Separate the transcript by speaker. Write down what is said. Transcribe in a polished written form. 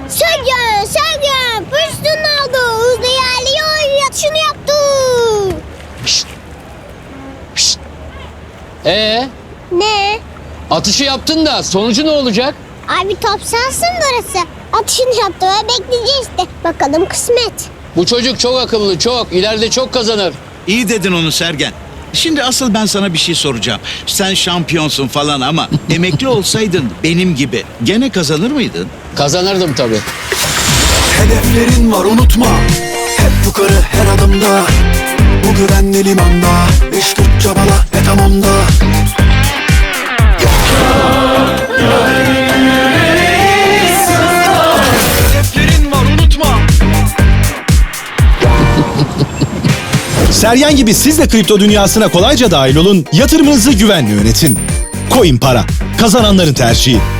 Speaker 1: Sergen, pozisyonunu aldı. Hızlı ilerliyor, yatışını yaptı.
Speaker 2: Şşt. Şşt.
Speaker 1: Ne?
Speaker 2: Atışı yaptın da sonucu ne olacak?
Speaker 1: Abi top sahası mı burası? Atışını yaptı ve bekleyeceğiz işte. Bakalım kısmet.
Speaker 2: Bu çocuk çok akıllı, çok. İleride çok kazanır.
Speaker 3: İyi dedin onu Sergen. Şimdi asıl ben sana bir şey soracağım. Sen şampiyonsun falan ama emekli olsaydın benim gibi gene kazanır mıydın?
Speaker 2: Kazanırdım tabii.
Speaker 4: Hedeflerin var unutma. Hep yukarı her adımda. Bu güvenli limanda. İş güç çabala ve tamam da. Hedeflerin var unutma.
Speaker 5: Sergen gibi siz de kripto dünyasına kolayca dahil olun, yatırımınızı güvenle yönetin. Coin Para, kazananların tercihi.